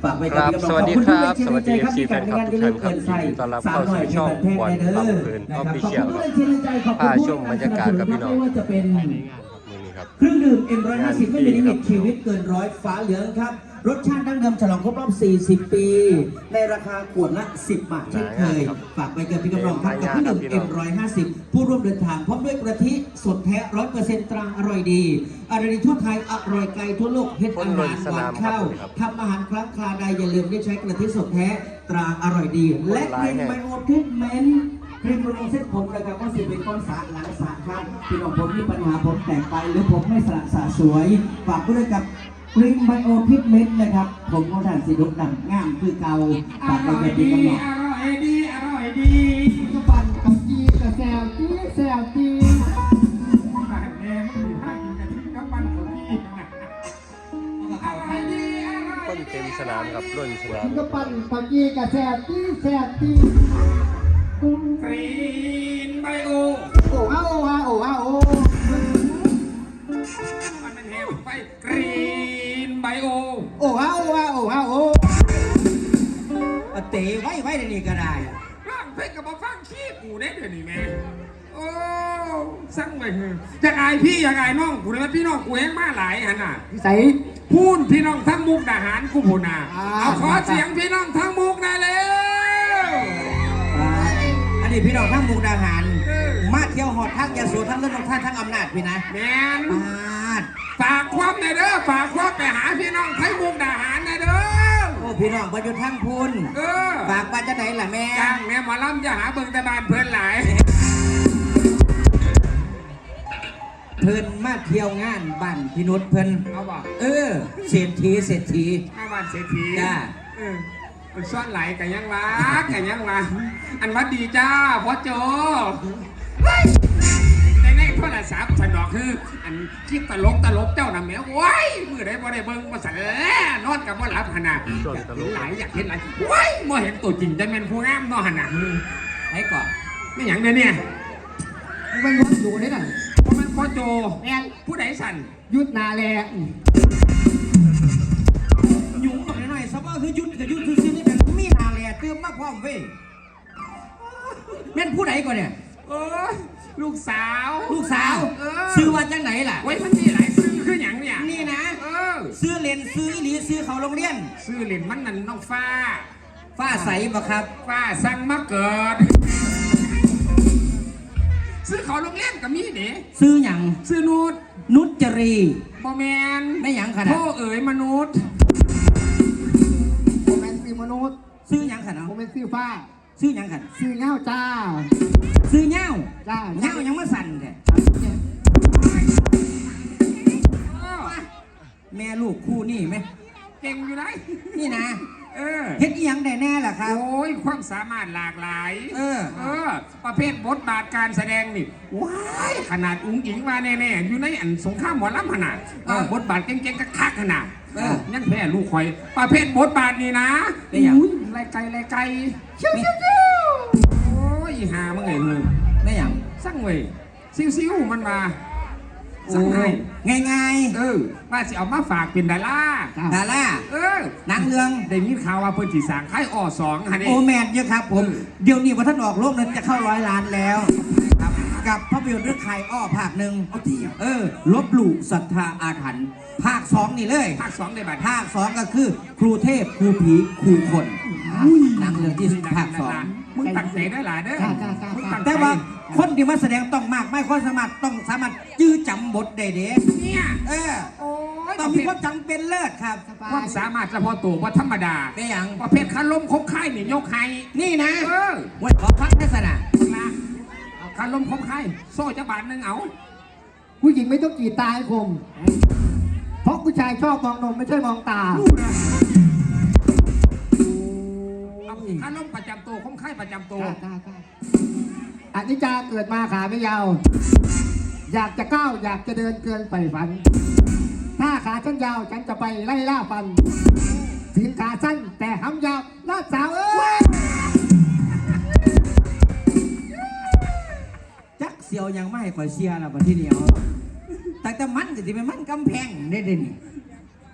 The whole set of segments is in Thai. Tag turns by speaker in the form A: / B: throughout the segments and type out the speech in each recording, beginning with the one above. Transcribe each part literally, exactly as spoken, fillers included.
A: ฝากไว้กับพี่น้องขอบคุณทุกท่านที่ใจครับที่การงานจะเลื่อนเกินใส่สาวหน่อยช่องบอลลำเพลินออฟฟิเชียลพาชมบรรยากาศกับพี่น้องว่าจะเป็นเครื่องดื่ม เอ็ม หนึ่งร้อยห้าสิบ ไม่มีลิมิตชีวิตเกินร้อยฟ้าเหลืองครับรสชาติดั้งเดิมฉลองครบรอบสี่สิบปีในราคาขวดละสิบบาทเช่นเคยฝากไปกับพี่กำลังครับกับเครื่องดื่ม เอ็ม หนึ่งร้อยห้าสิบ ผู้ร่วมเดินทางพร้อมด้วยกะทิสดแท้ ร้อยเปอร์เซ็นต์ ตราอร่อยดีอร่อยทั่วไทยอร่อยไกลทั่วโลกเฮ็ดอาหารหวานข้าวทำอาหารครั้งคราใดอย่าลืมได้ใช้กะทิสดแท้ตราอร่อยดีและเป็นไบโอเทคเมนต์ครีมบำรุงเส้นผมนะครับก็สิเป็นก้อนสระหลังสระครับพี่น้องผมมีปัญหาผมแตกไปหรือผมไม่สระสระสวยฝากด้วยกับครีมไบโอพิกเมนต์นะครับผมของท่านสีดุดังงามคือเก่าฝากไปกับพี่กำลังอร่อยดีอร่อยดีกระปั่นกับจีกระแซวจีแซวจีบ้านแม่ไม่มีท่ากินกะทิกระปั่นของพี่อร่อยดีอร่อย
B: คนเต็มสนามกับรุ่นสนาม
C: กระปั่นกับจีกระแซวจีแซวจี
A: กรีนไบโอ
C: โอ้ฮาโอ้ฮาโอ้ฮาโอ้
A: มันเป็นเฮลไปกรีนไบโอ
C: โอ้ฮาโอ้ฮาโอ้ฮาโอ้
A: เตะไว้ไว้ในนี้ก็ได้
D: ร่างเพชรกับมาฟังขี้กูได้เดี๋ยวนี้แม่โอ้สั่งไปเถอะจะอายพี่อย่างอายน้องกูเลยพี่น้องกูแห้งมาหลายหันน่ะ
C: ใส่
D: พูนพี่น้องทั้งมุกดาหารกูพูนาเอาขอเสียงพี่น้องทั้งมุกได้เลย
A: อันนี้พี่น้องทั้งมุกดาหารมาเที่ยวหอดทั้งยาสูบทั้งเรื่องของท่านทั้งอำนาจพี่นะ
D: แมนฝากความในเด้อฝากความไปหาพี่น้องทั้งมุกดาหารในเด้อ
A: โอ้พี่น้องประยุทธ์ทั้งพูนฝากมาจะไหนล่ะแม่
D: จ้างแม่หมอลำจะหาเบิ่งแต่บ้านเพื่อนหลาย
A: เพิ่นมาเที่ยวงานบ้านพี่นุชเพิ่น
D: เอาบ่
A: เออเศรษฐีเศรษฐี
D: มาบ้านเศรษฐี
A: จ้า
D: เออมันซ่อนไหลกันยังวะกันยังวะอันวัดดีจ้าพ่อโจในในโทรศัพท์ฉันดอกคืออันคิดตลกตลกเจ้าน่ะแม่ว้ายมือได้บ่ได้เบิ่งบ่สั่นแล้วนอนกับบ่หลับขนาดหลายอยากเห็นหลายว้ายบ่เห็นตัวจริงจะเป็นผู้งามเนาะหั่นน่ะ
A: ให้ก่อน
D: ไม่หยังเด้อเนี่ย
C: มันวนอยู่นี่น่ะ
D: เพราะมันพ่อโจแม่ผู้ใดสั่น
C: ยุดนาแล
A: ยุ่งหน่อยหน่อยสบายคือยุดกับยุดคือซื้อนี่แต่มีนาแลเติมมาพร้อมเว้ยแม่นผู้ใดก่อนเนี่ย
D: เออลูกสาว
A: ลูกสาวซื้อว่าจังไหนล่ะ
D: ไว้มันมีหลายซื้อคืออย่างเนี่ย
A: นี่นะซื้อเลนซื้ออีหลีซื้อเขาโรงเรียน
D: ซื้อเลนมันนั่นน้องฟ้า
A: ฟ้าใสบ่ครับ
D: ฟ้าสั่งมาเกิดซื้อเขาโรงเรียนกับมีเด้
A: ซื้อหยัง
D: ซื้อนุช
A: นุชจรี
D: บอแมน
A: ไม่หยังขนาด
D: พ่อเอ๋ยมนุษย์
C: โมเมนต์ซื้อมนุษย์
A: ซื้อหยังขนาด
C: โมเมนต์ซื้อฟ้า
A: ซื้อหยังขนาด
C: ซื้อเงาจ้า
A: ซื้อเงา
C: จ้า
A: เงายังไม่สั่นเลยแม่ลูกคู่นี่ไหม
D: เก่งอยู่ไหน
A: นี่นะ
D: เออ
A: เฮ็ดอีหยังได้แน่ล่ะครับ
D: โอ้ยความสามารถหลากหลาย
A: เออ
D: เออประเภทบทบาทการแสดงนี่ว้ายขนาดอุ้งอิงมาแน่ๆอยู่ในอันสงครามหมอลำขนาดบทบาทเก่งๆก็คักขนาดยังแพ้ลูกคอยประเภทบทบาทนี่นะอุ้ยไรไกลไรไกลเชี่ยวเชี่ยวเชี่ยวโอ้ยหาเมื่อไงมึง
A: ไม่หยัง
D: สั่งเว้ยซิวๆมันมา
A: สั่งให้ง่าย
D: ๆเออว่าสิเอามาฝากเป็นดารา
A: ดารา
D: เออ
A: หนังเรื่อง
D: ได้ยินข่าวว่าเพิ่นสิสร้างค่ายอ้อสองฮะนี่
A: โอแมนเยอะครับผมเดี๋ยวนี้ว่าท่านออกโลกนั้นจะเข้าร้อยล้านแล้วครับกับภาพยนตร์เรื่องใครอ้อภาคหนึ่งเออลบหลู่ศรัทธาอาถรรพ์ภาคสองนี่เลย
D: ภาคสองในบัด
A: ภาคสองก็คือครูเทพครูผีครูคนหนังเรื่องที่ภาคสอง
D: มึงตั้งใจได้หลายเด้อ
A: แต่ว่าคนที่มาแสดงต้องมากไม่คนสามารถต้องสามารถจื้อจำบทได้เด้
D: เนี่ย
A: เออต้องมีความจำเป็นเลิศครับ
D: ความสามารถเฉพาะตัวว่าธรรมดา
A: เป็นอย่าง
D: ประเภทคาล้มคบค่ายนี่ยกให้
A: นี่นะ
D: เออ
A: วันขอพักทัศนะ
D: คาล้มคบค่ายโซ่จะบาทนึงเอา
C: ผู้หญิงไม่ต้องกีดตาให้คมเพราะผู้ชายชอบมองนมไม่ใช่มองตา
D: คาล้มประจำตัวคบค่ายประจำตัว
C: อันนี้จะเกิดมาขาไม่ยาวอยากจะก้าวอยากจะเดินเกินไปฝันถ้าขาฉันยาวฉันจะไปไล่ล่าฟันถึงขาสั้นแต่หำยาวลาดสาวเอ้ย
A: จักเสียวยังไม่คอยเชียร์ละประเทศเดียวแต่แต่มันจะเป็นมันกำแพงได้ดิ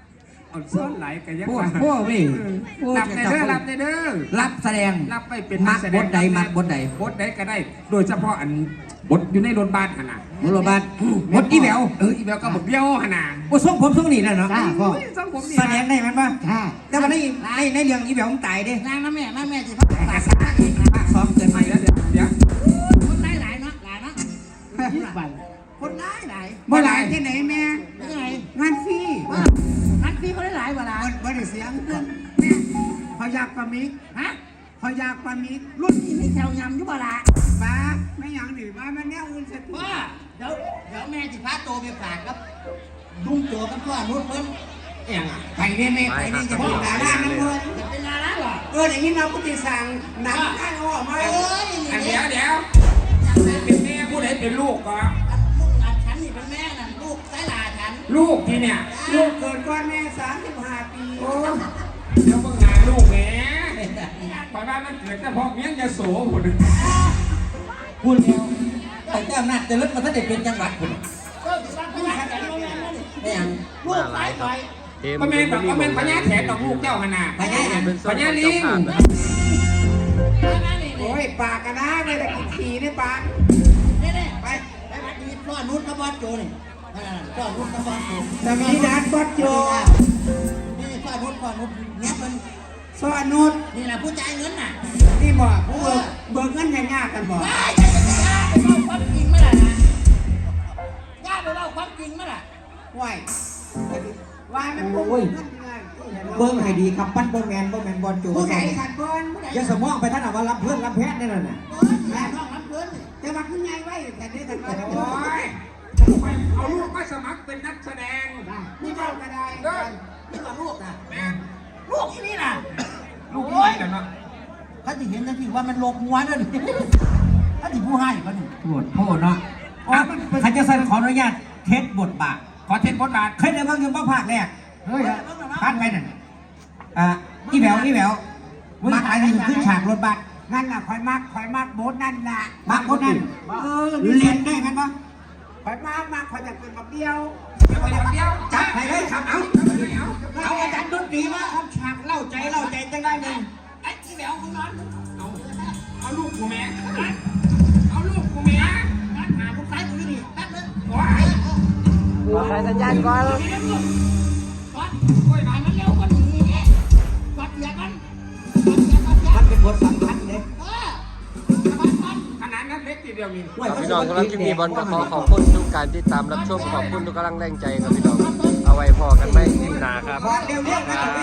D: อ่อนซ้อนไหลกันยัง
E: พว
D: ไง
E: กพวกนี่พวก
D: รับในเด้อรับในเด้อ
E: รับแสดง
D: รับไปเป็น
E: มัก
D: แส
E: บทใดมักบทใด
D: บทใดก็ได้ โดยเฉพาะอันบทอยู่ในรถบัสขนาด
E: บทบาทบทอีแหวว
D: เอออีแววก็บอกเดียวขนาด
E: โอ้ทรงผมทรงนี่แหละเนาะ
C: จ้าพ่อ
D: สังผมนี่
E: แสดงได้มันป่ะ
C: ค่ะ
E: แต่ว่าในในในเรื่องอีแหววมันตายเด้
F: นางน้ำแม่น้ำแม่สิพักหลาย
E: ภาคซ้อมเกินไป
D: เดี๋ยวเดี๋ยวเดี๋ยว
F: คนหลายหลายเนาะหลายเนาะ
C: ยี่สิบวัน
F: คนหลายหลาย
E: บ่หลายที่ไหนแม่
F: เป็นไง
E: งานฟรี
F: ว่านัดพี่เขาได้หลายกว่าหลาย
E: บ่ได้เสียงเพื่อน
F: แม่
E: พอยากปลามิก
F: ฮะ
E: พอยากปลามิก
F: รุ่นนี้มีแถวยำอยู่บ่ละ
E: ป้าไม่หยังหนิว่ามันแนวอื่นเสร็จ
F: ว่าเดี๋ยวเดี๋ยวแม่สิพาโตไปฝากครับลุงโจกับพ่อนุชเพิ่นเอี่ยงอ่ะ
E: ไปเนี่ยแม่ไปนี่จะเป็นดาราน้ำเงิน
F: จะเป็นดาราเหรอ
E: เอออย่างนี้เราก็ติสั่งหนังข้างออกมา
F: เอ้ย
D: อัน
F: นี่
D: เดี๋ยว
F: เดี๋ยว
D: เดี๋ยวเป็นแม่ผู้ใดเป็นลูกก็
F: ลูกอันฉันนี่เป็นแม่นั่นลูกสายหลาฉัน
D: ลูกที่เนี่ย
E: ลูกเกิดก่อนแม่สามสิบห้าปี
D: โอ้เดี๋ยวเพิ่งงานลูกแหม่ปอยบ้านมันเกิดแต่พอเมียงจะโสหมด
E: พูดแล้วแต่แก้มหน้าจะลดมาถ้าเด็กเป็นจังหวัดคุณ
F: ก็ถือว่าเป็นแม่แม่แม่นั่นนี่
E: ไม่ยัง
F: ลูกสายคอย
A: เกม
D: ก็แม่นแบบก็แม่นพญาแถนดอกลูกเจ้าขนาด
E: พญาแถน
A: เป็นโซน
D: พญา
A: ของ
D: ลิ
A: เจ้าง ภาพนะครับ
F: แม่นี่
E: โอ้ยปากกันนะไม่ได้กินขี่ในปาก
F: นี่นี่ไปไปวัดนี้พ่อนุชกับบอสโจนี่พ่อนุชกับบอสโจ
E: จะมีนัดบัดโจ
F: นี่พ่อนุชพ่อนุชเนี่ยมัน
E: สวัสนุษ
F: นี่แหละผู้จ่ายเงินน่ะ
E: นี่บอกผู้เบิกเบิกเงินให้ยากกันบอก
F: ย่าจะจะย่าไปเล่าความจริงเมื่อไหร่นะย่าไปเล่าความจริงเมื่อไหร่
E: ไหววายมันโอ้ยเบิ้งให้ดีครับปั้นบอลแมนบอลแมนบอลโจ
F: ผู้ใหญ่ขัดบอลผู้ใหญ่
E: อย่าสมองไปท่านเอาว่ารับเพื่อนรับแพทย์นี่แหละน่ะ
F: แม่ท้องรับเงิน
E: แต่ว่าคุณยายไว้แต่นี่แต่
D: โอ้ยเอาลูกมาสมัครเป็นนักแสดง
F: นี่เจ้าก็ได้
D: เด้อ
F: นี่ว่าลูกนะ
D: แม่
F: ลูกที่นี่น่ะ
D: ลูกนี่แหละเนาะ
F: เขาจะเห็นนะพี่ว่ามันโลกมัวนั่นถ้าที่ผู้ให้เขานี่
E: โทษโทษเนาะใครจะสั่นขออนุญาตเทสบทบาท
D: ขอเทนบทบาท
E: เคยได้บ้างยังบ้างภาคแรกเฮ้ยพลาดไปนั่นอ่ะอีแหววอีแหววมาขายนี่ขึ้นฉากรถบัสนั่นน่ะคอยมักคอยมักโบสนั่นน่ะมักโบสนั่นเออเรียนได้กันปะคอยมักมักคอยจะเป็นกับเดียว
D: เดี๋ยวเดี๋ยวเดี๋ยว
E: จับไปเลยครับเอา
D: เอา
E: เอาอาจารย์ดนตรีมาครับฉากเล่าใจเล่าใจจังได้หนึ่ง
F: ไอ้ที่แหววของนอน
D: เอาเอาลูกกูแม่เอาลูกกูแม่
F: นัดหาผู้ชายคนนี้แป๊บนึง
D: โอ้ย
A: ขอใช้สัญญาณก่อน
F: ก่อนโอ้ยมามันเร็วกว่านี้ก่อนเสียกันก่อนเสียก่อนเสีย
E: มันเป็นบทสำคัญเลย
F: เออก่อนก่อน
D: ขนาดนั้นเล็กทีเดียวมี
A: ครับพี่น้องสำหรับคลิปนี้บอลก็ขอขอบคุณทุกการติดตามรับชมขอบคุณทุกกำลังแรงใจครับพี่น้องเอาไว้พอกันไหมคลิปหน้าครับ
E: เร็วเรียกนะ